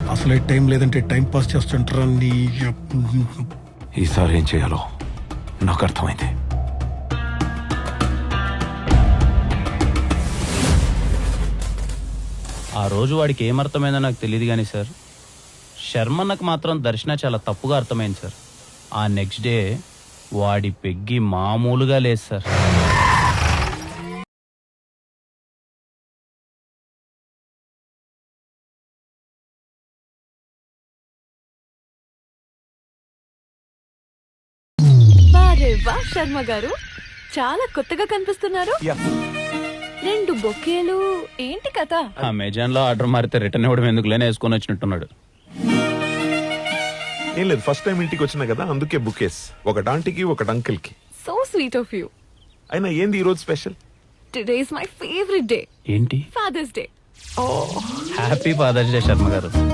అసలే టైం లేదంటే time pass చేస్తుంటారా నీ ఈసారి ఏం చేయాలో నాకు అర్థమైంది. ఆ రోజు వాడికి ఏమర్థమైందో నాకు తెలియదు కానీ సార్, శర్మన్నకు మాత్రం దర్శన చాలా తప్పుగా అర్థమైంది సార్. ఆ నెక్స్ట్ డే వాడి పెగ్గి మామూలుగా లేదు సార్. వారే వా శర్మ గారు, చాలా కొత్తగా కనిపిస్తున్నారు. 2 బొకేలు, ఏంటి కథ? అమెజాన్ లో ఆర్డర్ మారితే రిటర్న్ ఇవ్వడం ఎందుకు లేని వేసుకొని వచ్చినట్టున్నాడు. ఏం లేదు, ఫస్ట్ టైం ఇంటికి వచ్చినా కదా, అందుకే బుకేస్. ఒకటి ఆంటీకి, ఒకటి అంకిల్ కి. So sweet of you. అయినా ఏంది ఈ రోజు special? Today is my favourite day, ఏంటి? Father's day. Happy father's day Sharma గారు.